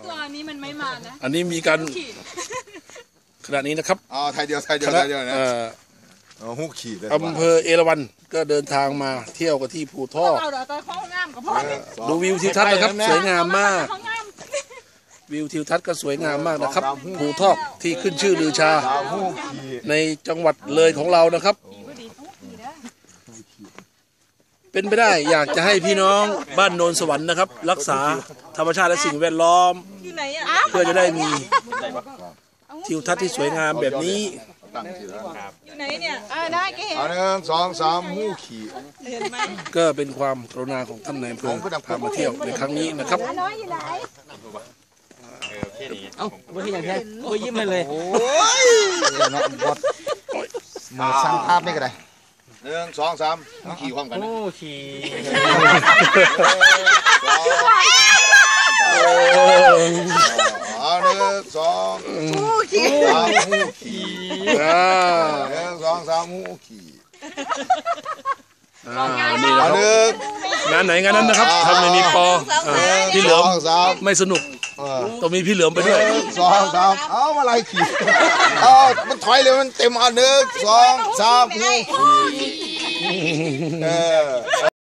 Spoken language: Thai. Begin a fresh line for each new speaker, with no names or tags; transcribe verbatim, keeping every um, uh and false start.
ตัวนี้มันไม่มานะ
อันนี้มีการขณะนี้นะครับ
อ๋อไทยเดียวไทยเดียวไทยเดียวนะหูขี่เลย
อำเภอเอราวัณก็เดินทางมาเที่ยวกันที่ภูทอกดูวิวทิวทัศน์นะครับสวยงามมากวิวทิวทัศน์ก็สวยงามมากนะครับภูทอกที่ขึ้นชื่อลือชาในจังหวัดเลยของเรานะครับเป็นไปได้อยากจะให้พี่น้องบ้านโนนสวรรค์นะครับรักษาธรรมชาติและสิ่งแวดล้อมเพื่อจะได้มีทิวทัศน์ที่สวยงามแบบนี้
อยู่ไหนเนี่ยได้แกเห็น
หนึ่งสองสามหูขี่
ก็เป็นความกรุณาของท่านนายอำเภอพามาเที่ยวในครั้งนี้นะครับ
น้อยอยู่ไหน
เอ้าไม่ใช่อย่างแท้โอ้ยยิ้มเลยเลย
โอ้ยเนาะบดมาสร้างภาพไม่ก็ได้หนึ่งสองสามหูขี่ความกัน
โอ้ขี่
หนึ่งสองหูขี่สามหูขี่หนึ่งสองสามหูขี่
นี่นะครับงานไหนงานนั้นนะครับทำในมีปอพี่เหลือมไม่สนุกต้องมีพี่เหลือมไปด้วย
สองสามเอาอะไรขี่เอามันถอยเลยมันเต็มอันหนึ่งสองสามหูขี่